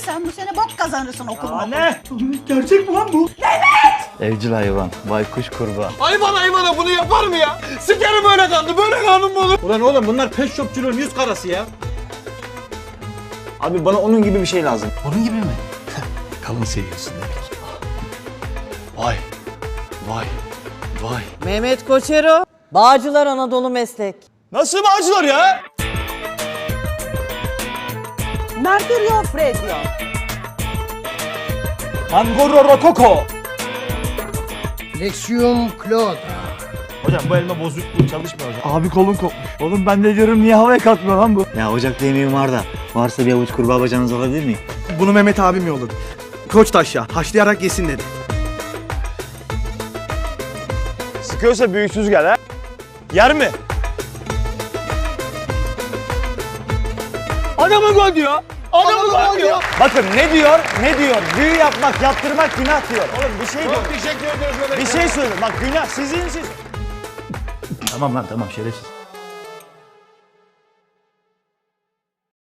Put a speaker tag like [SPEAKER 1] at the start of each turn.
[SPEAKER 1] Sen bu sene bok kazanırsın okulda.
[SPEAKER 2] Ne? Gerçek mi lan bu?
[SPEAKER 3] Evcil hayvan, baykuş kurbağa.
[SPEAKER 2] Hayvana bunu yapar mı ya? Sikerim böyle kandı, böyle kanun mu olur? Ulan oğlum bunlar pet shopçuluğun yüz karası ya.
[SPEAKER 3] Abi bana onun gibi bir şey lazım.
[SPEAKER 2] Onun gibi mi? Kalın seviyorsun demek. Vay, vay, vay.
[SPEAKER 4] Mehmet Koçero, Bağcılar Anadolu Meslek.
[SPEAKER 2] Nasıl bağcılar ya?
[SPEAKER 4] Mercurio Freddio.
[SPEAKER 2] Angoro Rokoko.
[SPEAKER 5] Lexium Claude.
[SPEAKER 2] Hocam bu elma bozuk, bu çalışmıyor hocam.
[SPEAKER 3] Abi kolun kopmuş. Oğlum ben de diyorum niye havaya kalkmıyor lan bu? Ya ocakta yemeğim var da. Varsa bir avuç kurbağa bacağınızı alabilir miyim?
[SPEAKER 6] Bunu Mehmet abim yolladı. Koçtaşya haşlayarak yesin dedi.
[SPEAKER 2] Sıkıyorsa büyüksüz gel ha. Yer mi? Adamı gol diyor. Adamı gol diyor.
[SPEAKER 3] Bakın ne diyor? Ne diyor? Büyü yapmak, yaptırmak günah diyor.
[SPEAKER 2] Oğlum bir şey diyor. Teşekkür ediyoruz.
[SPEAKER 3] Bir şey söyle. Bak günah sizin siz.
[SPEAKER 2] Tamam lan tamam şerefsiz.